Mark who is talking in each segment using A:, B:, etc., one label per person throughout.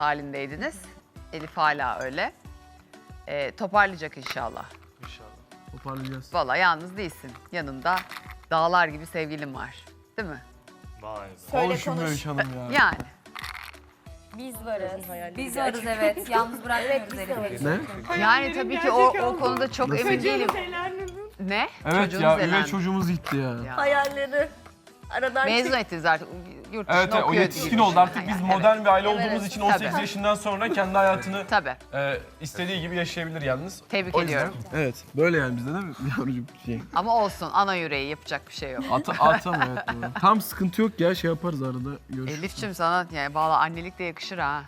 A: halindeydiniz. Elif hala öyle. Toparlayacak inşallah.
B: İnşallah.
C: Toparlayacağız.
A: Vallahi yalnız değilsin. Yanında dağlar gibi sevgilin var. Değil mi?
B: Vay be.
D: Söyle
C: Konuşun
D: konuş.
C: Öykü Hanım ya.
A: Yani.
E: Biz varız. Biz varız evet. Yalnız bırakmıyoruz Elif'i.
C: Ne?
A: Yani tabii ki o konuda çok emin değilim. Ne?
C: Evet
A: Çocuğunuz
C: ya, üvey
A: elendi.
C: çocuğumuz gitti ya.
A: Ya.
D: Hayalleri aradan
A: Mezun ettiniz artık. Yurt dışında
C: Evet, o
A: okuyor
C: yetişkin
A: gibi
C: oldu
A: düşün.
C: artık. Biz
A: Yani,
C: modern
A: evet.
C: bir aile olduğumuz için 18
A: Tabii.
C: yaşından sonra kendi hayatını
A: Tabii.
C: istediği gibi yaşayabilir yalnız.
A: Tebrik
C: O yüzden-
A: ediyorum.
C: Evet, böyle yani bizde değil mi? Yavrucuğum şey.
A: Ama olsun ana yüreği yapacak bir şey yok.
C: Atam evet doğru. Tam sıkıntı yok ya, şey yaparız arada. Görüşürüz.
A: Elif'ciğim sana yani valla annelik de yakışır ha.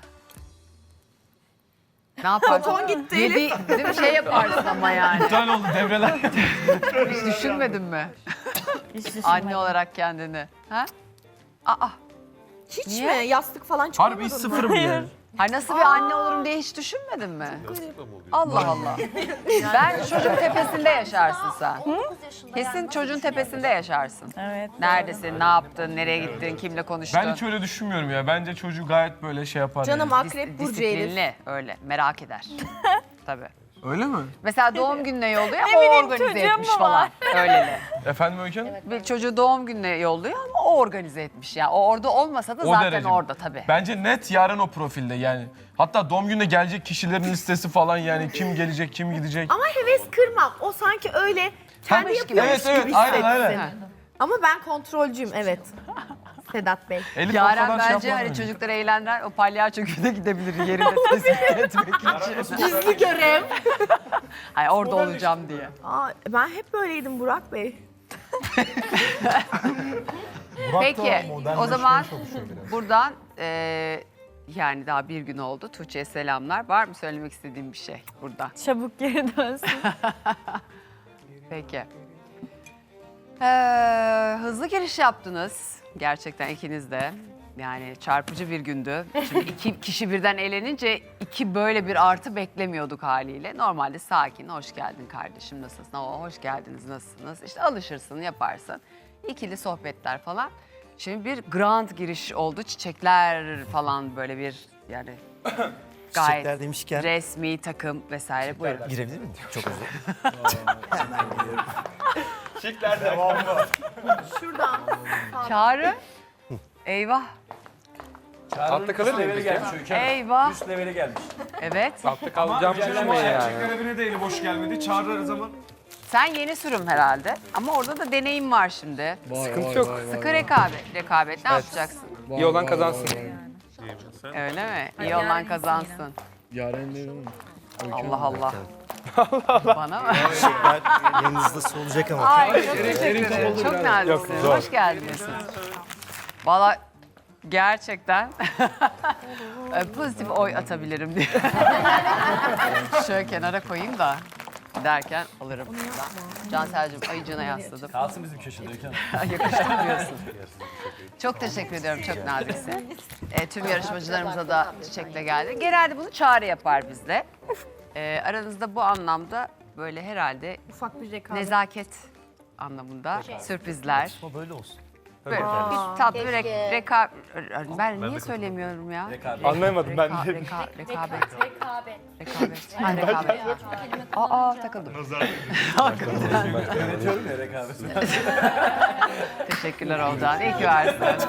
A: Ne yaparsın?
D: Ton gitti Elif.
A: Değil mi? Şey yaparsın ama yani.
C: İptal oldu devreler.
A: Hiç düşünmedin mi? Anne olarak kendini. Ha? Aa.
D: Hiç
A: Niye?
D: mi? Yastık falan
C: Harbi
D: çıkamadın
C: hiç
D: mı?
C: sıfırım yani.
A: Hay nasıl bir anne olurum diye hiç düşünmedin mi? Allah Allah. Ben çocuğun tepesinde yaşarsın sen. Kesin çocuğun tepesinde yaşarsın.
E: Evet.
A: Neredesin, ne yaptın, nereye gittin, kimle konuştun?
C: Ben hiç öyle düşünmüyorum ya. Bence çocuğu gayet böyle şey yapar
D: Canım
C: yani.
D: akrep burcu Elif.
A: Disiplinli öyle merak eder. Tabii.
C: Öyle mi?
A: Mesela doğum gününe yolluyor ama o organize
E: çocuğum
A: etmiş
E: mu
A: falan. Öyle.
C: Efendim Öykü Hanım?
A: Bir çocuğu doğum gününe yolluyor ama o organize etmiş ya. O orada olmasa da
C: O
A: zaten
C: derece.
A: orada tabii.
C: Bence net yarın o profilde yani. Hatta doğum gününe gelecek kişilerin listesi falan yani kim gelecek, kim gidecek.
D: Ama heves kırmam. O sanki öyle kendi
A: Tabii ki.
D: yapıyormuş
C: Evet,
D: gibi
C: aynen,
D: hissetsin.
C: aynen.
A: Ha.
D: Ama ben kontrolcüyüm evet. Sedat Bey.
C: Elif
A: Yaren
C: ortadan şey
A: bence
C: yapmaz
A: hani
C: bence.
A: çocukları eğlendiler. O palyaço güne gidebilir yerinde tespit etmek için.
D: Gizli görev.
A: Hayır orada olacağım diye.
D: Aa, ben hep böyleydim Burak Bey.
A: Peki o zaman buradan yani daha bir gün oldu. Tuğçe'ye selamlar. Var mı söylemek istediğim bir şey burada?
E: Çabuk geri dönsün.
A: Peki. Hızlı giriş yaptınız. Gerçekten ikiniz de. Yani çarpıcı bir gündü. Şimdi iki kişi birden elenince iki böyle bir artı beklemiyorduk haliyle. Normalde sakin, hoş geldin kardeşim, nasılsın? Hoş geldiniz, nasılsınız? İşte alışırsın, yaparsın. İkili sohbetler falan. Şimdi bir grand giriş oldu. Çiçekler falan böyle bir yani gayet
F: Çiçekler demişken
A: resmi takım vesaire. Buyurun.
F: girebilir miyim? Çok özür
D: Şuradan.
A: Çağrı. Eyvah.
G: Altta kalır mıyım peki?
A: Eyvah.
G: Üst leveli gelmiş.
A: Evet.
G: Altta kalacağım düşünmeyin yani.
B: Görevine de eli boş gelmedi. Çağırır zaman.
A: Sen yeni sürüm herhalde. Ama orada da deneyim var şimdi.
G: Sıkıntı yok.
A: Sıkı rekabet. Rekabet ne yapacaksın?
G: İyi olan kazansın.
A: Öyle mi? İyi olan kazansın.
C: Yaren değil mi?
A: Allah Allah. Bana mı?
F: Çiçekler yanınızda solacak ama.
A: Ay çok teşekkür ederim. Çok naziksiniz. Hoş geldiniz. Valla gerçekten pozitif oy atabilirim diye. Şöyle kenara koyayım da derken alırım. Cansel'cim ayıcığına yasladım.
B: Kalsın bizim köşede.
A: Yakıştı diyorsun. Çok teşekkür ediyorum, çok naziksin. Tüm yarışmacılarımıza da çiçekle geldi. Genelde bunu Çağrı yapar bizle. Aranızda bu anlamda böyle herhalde
D: Ufak bir rekabet.
A: nezaket anlamında sürprizler.
F: Ama böyle olsun.
A: Böyle bir tatlı bir rekabet. Ben niye söylemiyorum ya?
G: Anlayamadım ben de.
A: Rekabet. Rekabet. Ha, rekabet. Aa takıldım.
F: Yönetiyorum ya rekabeti.
A: Teşekkürler Olcan. İyi ki varsın.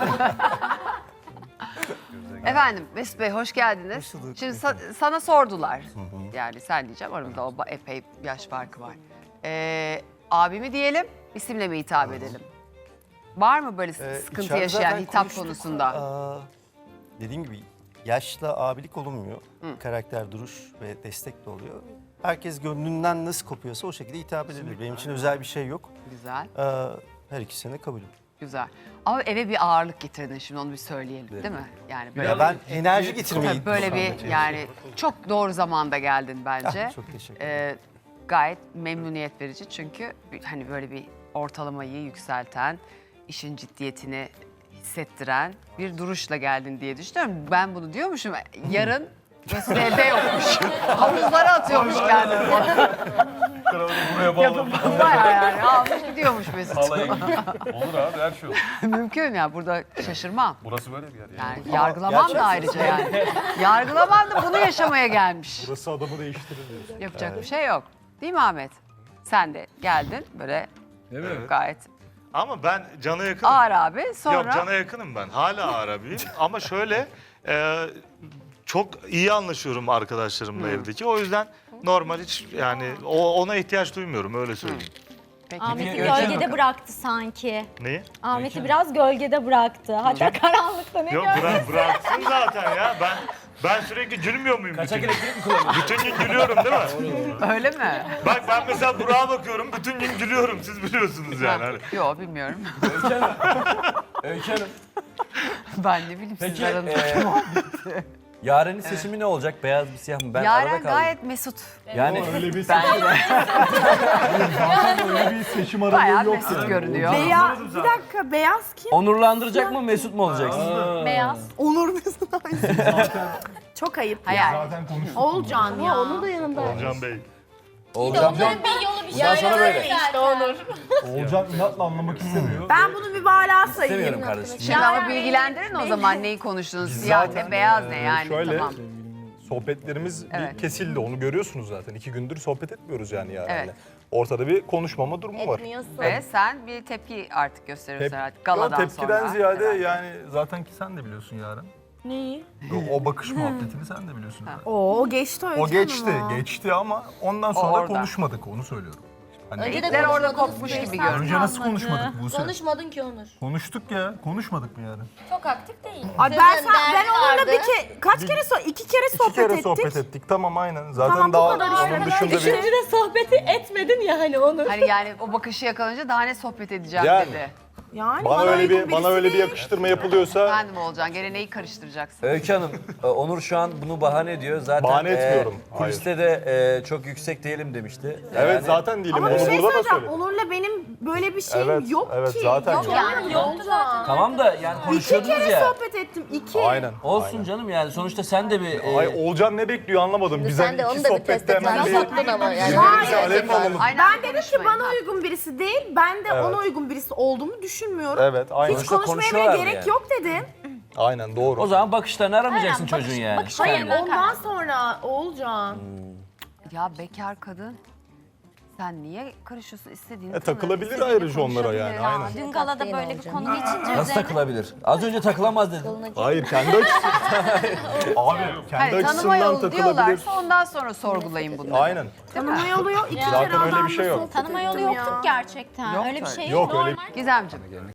A: Efendim Mesut Bey hoş geldiniz.
F: Hoş bulduk.
A: Şimdi sana sordular. Yani sen diyeceğim aramızda o epey yaş farkı var. Abimi diyelim, isimle mi hitap edelim? Var mı böyle sıkıntı
F: İçeride
A: yaşayan
F: zaten
A: hitap
F: konuştuk.
A: konusunda?
F: Dediğim gibi yaşla abilik olunmuyor. Karakter, duruş ve destek de oluyor. Herkes gönlünden nasıl kopuyorsa o şekilde hitap edilir. Benim için özel bir şey yok.
A: Güzel,
F: Her ikisine de kabulüm.
A: güzel. Ama eve bir ağırlık getirdin şimdi onu bir söyleyelim değil mi? Yani böyle,
F: Ya ben enerji getirmeyi
A: tabii böyle bir yani çok doğru zamanda geldin bence.
F: Çok teşekkür ederim.
A: Gayet memnuniyet verici çünkü hani böyle bir ortalamayı yükselten, işin ciddiyetini hissettiren bir duruşla geldin diye düşünüyorum. Ben bunu diyormuşum. Yarın Mesut evde yokmuş. Havuzlara atıyormuş kendini.
C: Buraya bağlı.
A: Bayağı yani almış gidiyormuş Mesut.
C: Halaya gidiyor. Olur abi her şey olur.
A: Mümkün ya burada şaşırmam.
C: Burası böyle bir yer yani.
A: Yani yargılamam da ayrıca yani. Yargılamam da bunu yaşamaya gelmiş.
B: Burası adamı değiştirir diyorsun.
A: Yapacak bir şey yok. Değil mi Ahmet? Sen de geldin böyle
C: Değil mi?
A: gayet
H: Ama ben Can'a yakınım.
A: ağır abi. Sonra
H: Yok Can'a yakınım ben. Hala ağır abiyim. Ama şöyle çok iyi anlaşıyorum arkadaşlarımla evdeki. O yüzden normal hiç yani ona ihtiyaç duymuyorum öyle söyleyeyim.
A: peki
E: Ahmet'i
C: Öykü Hanım.
E: gölgede bıraktı sanki.
H: Neyi?
E: Ahmet'i biraz gölgede bıraktı. Hatta karanlıkta ne
H: Yok bıraksın zaten ya. Ben sürekli gülmüyor muyum?
C: Kaçak
H: bütün,
C: elektrik mi kullanıyorsun?
H: bütün gün gülüyorum değil mi?
A: öyle mi?
H: Bak ben mesela Burak'a bakıyorum bütün gün gülüyorum. Siz biliyorsunuz yani. Hani.
A: Yok bilmiyorum.
C: Öykü Hanım.
A: Ben ne bileyim
I: Peki
A: sizler aranızda.
I: Yaren'in seçimi ne olacak? Beyaz mı siyah mı? Ben arada
A: Yaren
I: kaldım.
A: gayet Mesut.
I: Yani
B: Öyle bir
A: Bence
B: öyle bir seçim
A: bayağı
B: aralığı yok
A: Mesut
B: yani.
A: görünüyor.
D: Beyaz, bir dakika beyaz kim?
I: onurlandıracak mı Mesut mu olacaksın?
E: beyaz.
D: Onur Mesut. Çok ayıp
A: Hayır.
D: ya.
B: Zaten konuştuk.
D: Olcan ya. Onun da yanında.
H: Olcan Bey.
I: Olacağım.
E: bir yolu bir
I: Bundan sonra böyle.
B: Olcan inatla anlamak istemiyor.
D: Ben bunu mübalağa sayayım.
I: İstemiyorum kardeşim.
A: Şimdi ama bilgilendirin o zaman neyi konuştunuz. Siyah ne beyaz ne yani
J: şöyle,
A: tamam.
J: Sohbetlerimiz
A: Evet.
J: bir kesildi. Onu görüyorsunuz zaten. 2 gündür sohbet etmiyoruz yani Yaren'le.
A: Evet.
J: Ortada bir konuşmama durumu var.
A: Ve sen bir tepki artık gösteriyorsun herhalde galadan
J: tepkiden
A: sonra.
J: ziyade
A: herhalde.
J: yani zaten ki sen de biliyorsun Yaren.
D: Neyi?
J: O bakış muhabbetini sen de biliyorsun. zaten.
D: O geçti öyle
J: O geçti ama ondan sonra
A: orada.
J: konuşmadık onu söylüyorum. Hani
A: İpler orada kopmuş gibi görünüyor.
J: önce nasıl konuşmadık Buse?
K: Konuşmadın ki Onur.
J: Konuştuk ya. Konuşmadık mı Yaren?
E: Çok aktif değil.
D: Ay ben onunla iki kere
J: İki kere sohbet ettik. Tamam aynen. Zaten
D: Tamam, bu
J: daha
D: kadar işte.
J: onun dışında bir...
K: İkinci de sohbeti etmedin ya hani Onur.
A: Hani yani o bakışı yakalayınca daha ne sohbet edeceğim
J: Yani.
A: dedi.
D: Yani
J: Bana öyle
D: uygun
J: bir
D: birisi
J: öyle bir
D: değil.
J: yakıştırma yapılıyorsa
A: Efendim olacaksın gene neyi karıştıracaksın?
I: Öykü Hanım, Onur şu an bunu bahane ediyor. Zaten
J: Bahane etmiyorum,
I: kuliste de çok yüksek değilim demişti.
J: evet
I: Yani-
J: zaten değilim.
D: Ama bir
J: Onu
D: şey
J: burada da
D: söyleyeceğim.
J: söyledim.
D: Onur'la benim böyle bir şeyim
J: Evet,
D: yok
J: evet,
D: ki.
J: zaten yok.
E: Yani yoktu zaten.
I: Tamam da yani
D: İki
I: konuşuyordunuz
D: kere
I: ya.
D: sohbet ettim. İki.
J: Aynen.
I: Olsun
J: aynen.
I: canım yani sonuçta sen de bir...
J: Ay Olcan ne bekliyor anlamadım. Biz
K: Sen
J: hani
K: de
J: iki
K: onu da bir
J: sohbette
K: test
J: hemen
K: etmen soktun ama yani.
J: birbirimize alev mi alalım?
A: Aynen
D: Ben dedim ki
A: konuşmayın,
D: bana
A: ha.
D: uygun birisi değil. Ben de
J: Evet.
D: ona uygun birisi olduğumu düşünmüyorum.
J: Evet aynen.
D: Hiç
I: Sonuçta
D: konuşmaya bile
I: konuşuyorlar
D: gerek
I: yani.
D: yok dedim.
J: Aynen doğru.
I: O zaman bakışlarını aramayacaksın
E: Aynen,
I: çocuğun yani.
E: bakışlarından
D: Ondan sonra Olcan.
A: Ya bekar kadın sen niye karışıyorsun istediğini
J: takılabilir
A: istediğini
J: ayrıca onlara yani,
A: konuşabilir.
J: aynen.
E: Dün galada böyle bir konu geçince
I: Nasıl
E: üzerine
I: takılabilir? Az önce takılamaz dedin.
J: Hayır kendi açısından. Abi kendi
A: Hani tanıma
J: açısından
A: yolu
J: takılabilir.
A: diyorlarsa ondan sonra sorgulayın bunları.
J: Aynen.
D: Tanıma yolu yok. İki
J: Zaten
D: kere
J: öyle bir
D: adamla
J: şey yok.
D: sohbet
E: tanıma yolu
D: ettim ya.
E: yoktuk gerçekten.
A: Yok
E: öyle bir
A: öyle.
E: şey
J: Yok öyle
A: Gizemciğim.